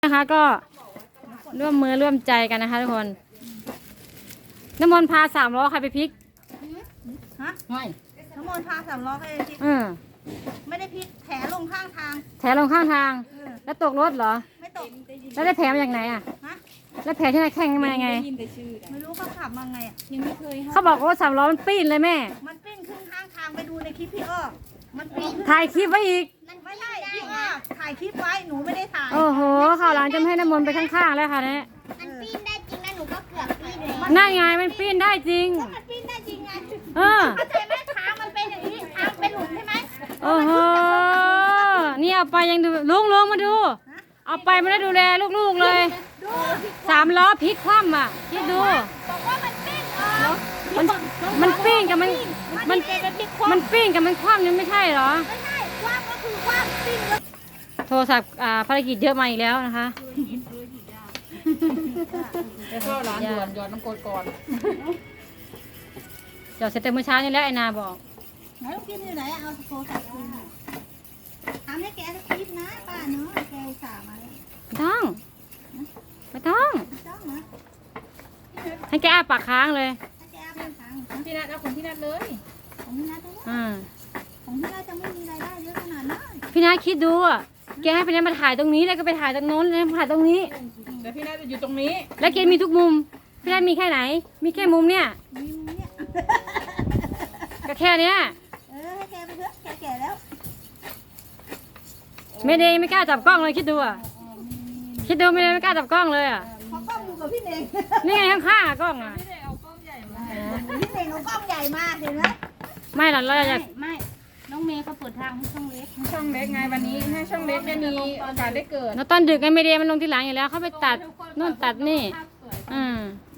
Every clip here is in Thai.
นะคะก็ร่วมมือร่วมใจกันนะคะทุกคนน้ำมนต์พา3 ล้อใครไปพลิกฮะไม่น้ำมนต์พา3 ล้อไปพลิกไม่ได้พลิกแถลงข้างทางแถลงข้างทางแล้วตกรถเหรอไม่ตกแล้วได้แผลมาจากไหนอ่ะแล้วแผลที่ไหนแข่งมายังไงไม่รู้เขาขับมาไงอ่ะยังไม่เคยเขาบอกว่า3 ล้อมันปิ้นเลยแม่มันปิ้นขึ้นข้างทางไปดูในคลิปพี่อ้อมันปิ้นถ่ายคลิปไว้อีกไม่ใช่พี่อ้อถ่ายคลิปไว้หนูไม่ได้ถ่ายโอ้โหข่าวหลังจะให้น้ำมนต์ไปข้างๆแล้วค่ะเนี่ยมันปิ้นได้จริงนะหนูก็เกือบปิ้นเลยนั่นไงมันปิ้นได้จริงมันปิ้นได้จริงไงเข้าใจไหมทางมันเป็นอย่างนี้ทางเป็นหลุมใช่ไหมโอ้โหนี่เอาไปยังดูลุงมาดูเอาไปไม่ได้ดูแลลูกๆเลย3 ล้อพลิกคว่ำอ่ะคิดดูบอกว่ามันปิ้นมันปิ้งกับมันปิ้งกับมันคว่ำนี่ไม่ใช่เหรอไม่ใช่คว่ำก็คือคว่ำปิ้นโทรศัพท์ภารกิจเยอะมาอีกแล้วนะคะไปเข้าร้านด่วนหยอดน้ำกรดก่อนจอดเสร็จแต่เมื่อเช้านี่แล้วไอ้นาบอกไหนลูกกินอยู่ไหนเอาโทรศัพท์คืนทำให้แกสักคลิปนะป้าเนาะแกอุตส่าห์มาไม่ต้องนะให้แกอ้าปากค้างเลยให้แกเอาเป็นทางพี่นัทเอาของพี่นัทเลยของพี่นัทของพี่นัทจะไม่มีรายได้เยอะขนาดนั้นพี่นัทคิดดูอ่ะแกให้พี่นัทมาถ่ายตรงนี้แล้วก็ไปถ่ายตรงโน้นแล้วมาถ่ายตรงนี้แต่พี่นัทจะอยู่ตรงนี้แล้วแกมีทุกมุมพี่นัทมีแค่ไหนมีแค่มุมเนี่ยมีมุมเนี่ยก็แค่เนี้ยให้แกไปเถอะแกแก่แล้วไม่ได้ไม่กล้าจับกล้องเลยคิดดูอ่ะคิดดูไม่ได้ไม่กล้าจับกล้องเลยอ่ะเพราะกล้องอยู่กับพี่เน่งนี่ไงข้างๆกล้องอ่ะพี่เน่งเอากล้องใหญ่มาเห็นไหมไม่หรอกเราจะไม่น้องเมย์เขาเปิดทางให้ช่องเล็กไงวันนี้ให้ช่องเล็กได้มีโอกาสได้เกิดแล้วตอนดึกไงไม่ได้มันลงที่หลังอยู่แล้วเขาไปตัดนู่นตัดนี่หรอ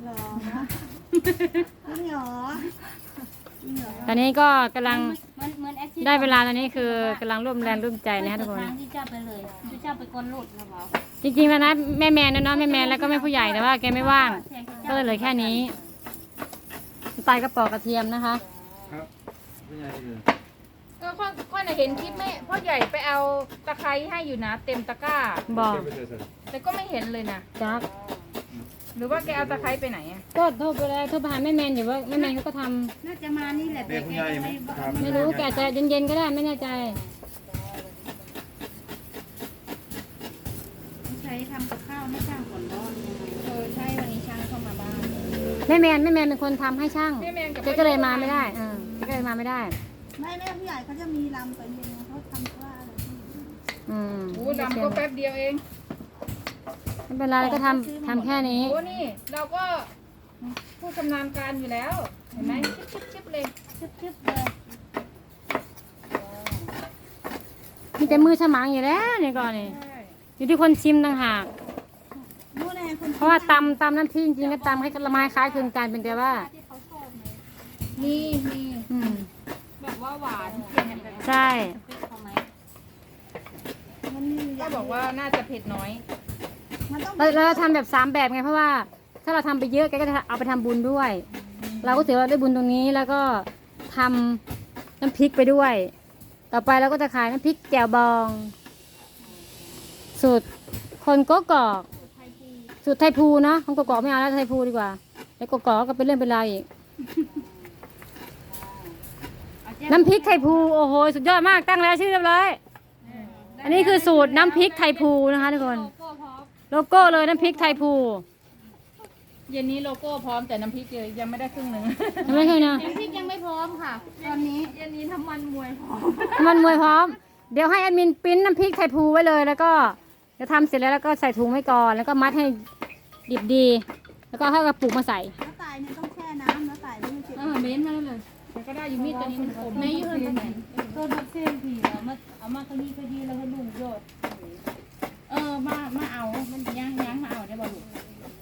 จริงเหรอตอนนี้ก็กำลังได้เวลาตอนนี้คือกำลังร่วมแรงร่วมใจนะคะทุกคนที่เจ้าไปเลยที่เจ้าไปก้นหลุดนะบอกจริงๆแล้วนะแม่แมนนะเนาะแม่แมนแล้วก็แม่ผู้ใหญ่แต่ว่าแกไม่ว่างก็เลยเหลือแค่นี้ใส่กระป๋อกระเทียมนะคะครับผู้ใหญ่เลยก็ค่อยเห็นคลิปแม่พ่อใหญ่ไปเอาตะไคร้ให้อยู่นะเต็มตะกร้าบอกแต่ก็ไม่เห็นเลยนะจักหรือว่าแกเอาตะไคร้ไปไหนอ่ะก็โทรไปแล้วโทรไปหาแม่แมนอยู่ว่าแม่แมนเขาก็ทำน่าจะมานี่แหละแต่แกไม่รู้แกจะเย็นๆก็ได้ไม่แน่ใจใช้ทำกับข้าวให้ช่างก่อนร้อนใช่วันนี้ช่างเข้ามาบ้านแม่แมนเป็นคนทำให้ช่างแกก็เลยมาไม่ได้แกก็เลยมาไม่ได้ไม่แม่ผู้ใหญ่เขาจะมีลำตอนเย็นเขาทำว่าอะไรลำก็แป๊บเดียวเองไม่เป็นไรก็ทำแค่นี้โอ้นี่เราก็ผู้ชำนาญการอยู่แล้วเห็นไหมชิบเลยเลยมีแต่มือฉมังอยู่แล้วนี่ก่อนนี่อยู่ที่คนชิมต่างหากเพราะว่าตำน้ำพริกจริงๆก็ตำให้ละไม้คล้ายคลึงกันเป็นแต่ว่านี่แบบว่าหวานใช่ก็บอกว่าน่าจะเผ็ดน้อยเราทำแบบ3 แบบไงเพราะว่าถ้าเราทำไปเยอะแกก็จะเอาไปทำบุญด้วยเราก็ถือว่าได้บุญตรงนี้แล้วก็ทำน้ำพริกไปด้วยต่อไปเราก็จะขายน้ำพริกแจ่วบองสูตรคนก็กอกสูตรไทยภูเนาะของกอกไม่เอาแล้วไทยภูดีกว่าแล้วกอกก็เป็นเรื่องเป็นราวอีกน้ำพริกไทยภูโอ้โหสุดยอดมากตั้งแล้วชื่อเรียบร้อยอันนี้คือสูตรน้ำพริกไทยภูนะคะทุกคนโลโก้เลยน้ำพริกไทยภูเย็นนี้โลโก้พร้อมแต่น้ำพริกยังไม่ได้ครึ่งหนึ่งยังไม่เคยนะน้ำพริกยังไม่พร้อมค่ะตอนนี้เย็นนี้ทำมันมวยพร้อมมันมวยพร้อมเดี๋ยวให้แอดมินปริ้นน้ำพริกไทยภูไว้เลยแล้วก็จะทำเสร็จแล้วก็ใส่ถุงไว้ก่อนแล้วก็มัดให้ดิบดีแล้วก็ให้กระปุกมาใส่แล้วตายเนี่ยต้องแช่น้ำแล้วตายไม่เจ็บเม้นมาเลยแต่ก็ได้อยู่มีดตัวนี้มันคมไม่ยืดไปไหนตัวดับเส้นผีเอามาขยี้แล้วก็ลุงโยดมาเอามันย่างมาเอาได้บ่ลูก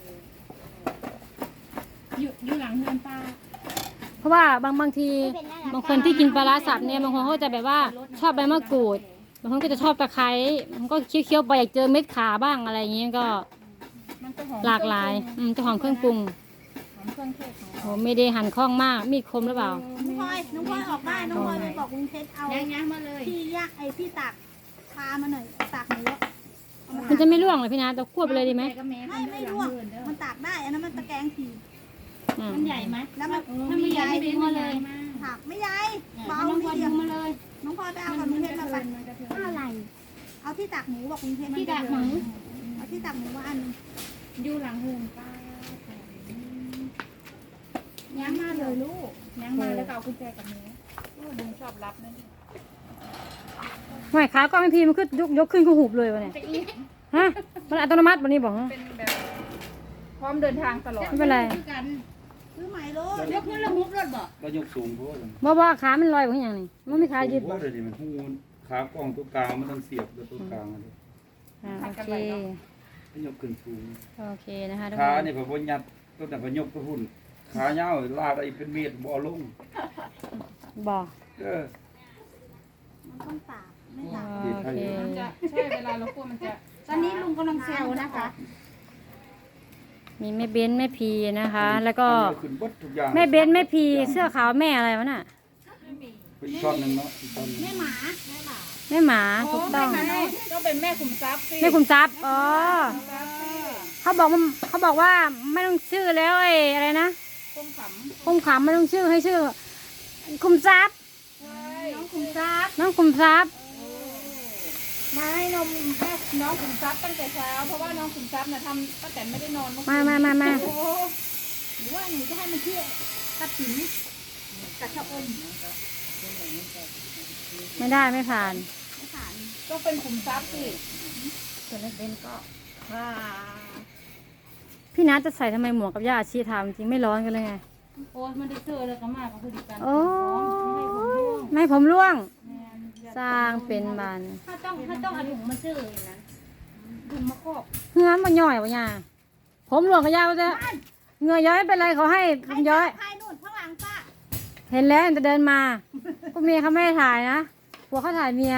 อยู่หลังเฮือนป้าเพราะว่าบางทีบางคนที่กินปลาร้าสับเนี่ยบางคนเขาจะแบบว่าชอบใบมะกรูดบางคนก็จะชอบตะไคร้มันก็เคี้ยวๆไปอยากเจอเม็ดขาบ้างอะไรอย่างเงี้ยก็หลากหลายจะหอมเครื่องปรุงโอ้ไม่ได้หั่นคล่องมากมีดคมหรือเปล่าน้องพลอยออกได้น้องพลอยไปบอกลุงเพชรเอาย่างมาเลยพี่ตักพามาหน่อยตักหนูเอามันจะไม่ร่วงเลยพี่นาแต่ควบไปเลยดีไหมไม่ร่วงมันตากได้อันนั้นมันตะแกรงถี่อืมมันใหญ่ไหมแล้วมันถ้าไม่ใหญ่ไม่มาเลยถักไม่ใหญ่เบาน้องนิพดอเดีดูยวมาเลยน้องพลอยไปเอากับลุงเพชรมาไปอะไรเอาที่ตากหมูบอกลุงเพชรที่ดักหมูเอาที่ตากหมูมาอันนึงอยู่หลังเฮือนป้าย้างมาเลยลูกย้างมาแล้วก็เอากุญแจกับหนูดึงชอบรับนั่นไม่ขาก็ไม่พีมันขึ้นยกขึ้นก็หุบเลยวะเนี่ยฮะมันอัตโนมัติวันนี้บอกฮะเป็นแบบพร้อมเดินทางตลอดไม่เป็นไรซื้อใหม่โลดยกขึ้นแล้วมุบรถบ่ก็ยกสูงโพดบ่ขามันลอยแบบอย่างนี้มันไม่ขายืดโพบ่ดเลยดิมันหูขากล้องตัวกลางมันต้องเสียบตัวกลางอันนี้โอเคให้ยกขึ้นสูงโอเคนะคะทุกขาคนนี่พอบ่ยัดตัวแต่ก็ยกตัวหุ่นขายาวลากได้เป็นเมตรบ่เอาลงบ่เออมันต้องตากไม่ตากโอเคมันจะใช่เวลาเราคั่วมันจะตอนนี้ลุงกำลังเซลนะคะมีแม่เบนแม่พีนะคะ แล้วก็เอาขึ้นเบิดทุกอย่างแม่เบนแม่พีเสื้อขาวแม่อะไรวะน่ะเป็นอีกช็อตหนึงเนาะอีกช็อตหนึ่งแม่หมาถูกต้องต้องเป็นแม่ขุมทรัพย์สิแม่คุมทรัพย์อ๋อเขาบอกว่าไม่ต้องชื่อแล้วไอ้อะไรนะคุ้มขคุมขำไม่ต้องชื่อให้ชื่อ คุมทรัพย์ำใช่ขุมทรัพย์น้องคุมทรัพย์มาให้นมแม่น้องขุมทรัพย์ตั้งแต่เช้าเพราะว่าน้องขุมทรัพย์น่ะทำตั้งแต่ไม่ได้นอนเมื่อคืนมาโอ้โหหรือว่าหนูจะให้มันเชื่อตัดสินกับชะอมไม่ได้ไม่ผ่านไม่ผ่านต้องเป็นขุมทรัพย์สิส่วนแม่เบนก็พี่นัทจะใส่ทำไมหมวกกับย่าอาชีทำจริงไม่ร้อนกันเลยไงโอ้ยมันได้เจอแล้วก็มากก็คือดีกันโอ้ไม่ให้ผมร่วงไม่ให้ผมร่วง สร้างเป็นบานถ้าต้องเอาถุงมาซื้อนะถุงมาครอบเฮือนมันย่อยวะย่าผมหลวงกับย่าก็จะเหงื่อย้อยเป็นไรเขาให้ผมย้อยใครนู่นข้างหลังป้าเห็นแล้วจะเดินมาพวกเมียเขาไม่ได้ถ่ายนะผัวเขาถ่ายเมีย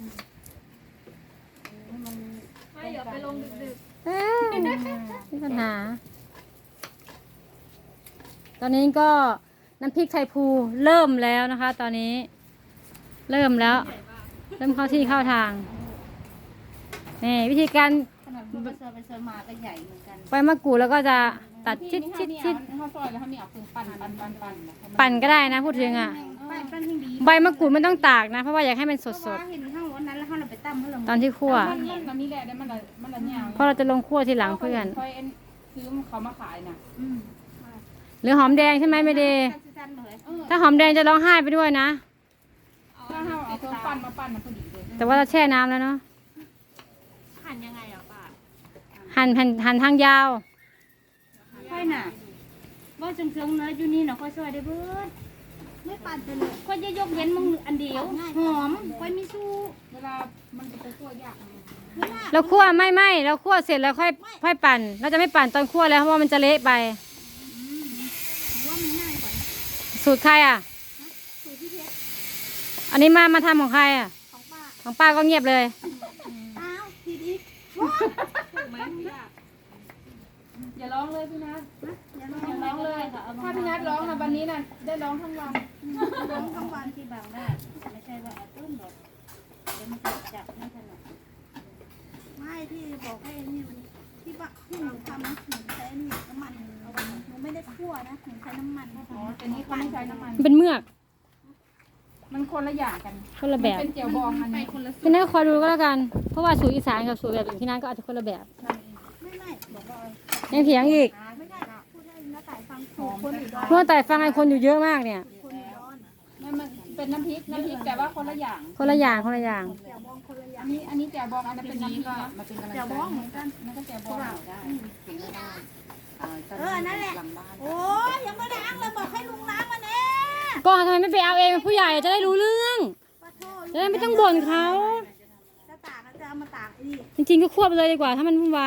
ไม่เดี๋ยวไปลงดึกเอ้ยมีปัญหา ตอนนี้ก็น้ำพริกไทยภูเริ่มแล้วนะคะ ตอนนี้ เริ่มแล้ว เริ่มเข้าที่เข้าทางนี่วิธีการขนาดมันไปเซอร์ไปเซอร์มาก็ใหญ่เหมือนกันใบมะกรูดแล้วก็จะตัดๆชิดข้าวซอยแล้วเขามีเอาปืนปั่นปั่นก็ได้นะพูดถึงอ่ะไปปั้นให้ดีใบมะกรูดไม่ต้องตากนะ เพราะว่าอยากให้มันสเพราะดว่าเห็นข้างวันนั้นแล้วเขาเราไปตั้มเขาเราๆ ตอนที่คั่วมันมีแหละได้มันละยาวเพราะเราจะลงคั่วทีหลังเพื่อนคอยซื้อเขามาขายน่ะหรือหอมแดงใช่ไหมไม่เดสั้นๆเลยถ้าหอมแดงจะร้องไห้ไปด้วยนะถ้าเราเอาเครื่องปั้นมาปั้นมันพอดีเลยแต่ว่าเราแช่น้ำแล้วเนาะหั่นยังไงอ่ะป้าหั่นทางยาวค่อยน่ะว่าจังเชิงเนื้ออยู่นี่เนาะค่อยซอยได้เบิดไม่ปั่นไปเลยค่อยจะยกเว้นมึงอันเดียวหอมค่อยมีสู้เวลามันจะไปคั่วยากไงไม่น่าเราคั่วไม่เราคั่วเสร็จแล้วค่อยปั่น เราจะไม่ปั่นตอนคั่วแล้วเพราะว่ามันจะเละไปหรือว่ามันง่ายกว่าสูตรใครอ่ะสูตรที่เพชรอันนี้มาทำของใครอ่ะของป้าของป้าก็เงียบเลยอ้าวผิดอีกอย่าร้องเลยพี่นัทอย่าลอย่าร้องเลยถ้าพี่นัทร้องนะวันนี้น่ะได้ร้องทั้งวันร้องทั้งวันที่บางได้ไม่ใช่ว่าเอาต้นดอกเดี๋ยวมันจะจับไม่ถนัดไม่ที่บอกให้นี่วันนี้ที่ว่าที่หนูทำนะหนูใช้นี่น้ำมันเอาไว้หนูไม่ได้คั่วนะหนูใช้น้ำมันอ๋อแต่นี้เขาไม่ใช้น้ำมันมันเป็นเมือกมันคนละอย่างกันคนละแบบเป็นเจียวบองอันนี้คนละพี่นัทคอยดูก็แล้วกัน เพราะว่าสูตรอีสานกับสูตรแบบอื่นที่นั่นก็อาจจะคนละแบบไม่บอกว่ายังเถียงอีกไม่ได้พูดให้น้าต่ายฟังถูกคนอยู่ดอนเมื่อแต่ฟังไอ้คนอยู่เยอะมากเนี่ยคนอยู่ดอนมันเป็นน้ำพริกแต่ว่าคนละอย่างคนละอย่างเดี๋ยวมองคนละอย่างอันนี้แจ่วบองอันนั้นเป็นน้ำพริกนะมันเป็นกำลังใจเดี๋ยวมองเหมือนกันมันก็แจ่วบองได้นั่นแหละโอ้ยยังไม่ล้างเลยบอกให้ลุงล้างมาแน่ก็ทำไมไม่ไปเอาเองเป็นผู้ใหญ่จะได้รู้เรื่องปะโทจะได้ไม่ต้องบ่นเขาจะตากจะเอามาตากไอ้นี่จริงๆก็ควบไปเลยดีกว่าถ้ามันวุ่นวาย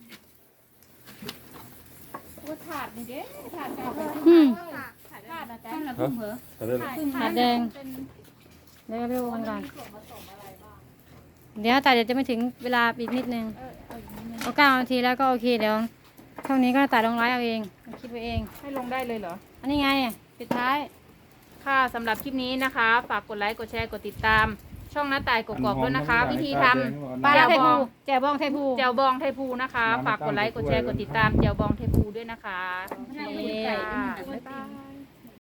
ก็ถาดนี่เด้ถาดเก่าอืมถาดนะจ๊ะต้นละพุ่มเหรอแต่เรื่องถาดแดง เดี๋ยวไปดูกันก่อนเดี๋ยวแต่เดี๋ยวจะไม่ถึงเวลาอีกนิดนึงเอา9 นาทีแล้วก็โอเคเดี๋ยวช่วงนี้ก็ตัดลงไลฟ์เอาเองคิดไว้เองให้ลงได้เลยเหรออันนี้ไงปิดท้ายค่ะสำหรับคลิปนี้นะคะ ฝากกดไลค์ กดแชร์ กดติดตามช่องหน้าตายกกอกด้วยนะคะ วิธีทำปลาแจ่ร้าว ไทยบภูองแจ่วบองไทยภูแจ่วบองไทยภูนะคะ ฝากกดไลค์กดแชร์กดติดตามแจ่วบองไทยภูด้วยนะคะไม่ได้นี่ไก่ค่ะไม่ได้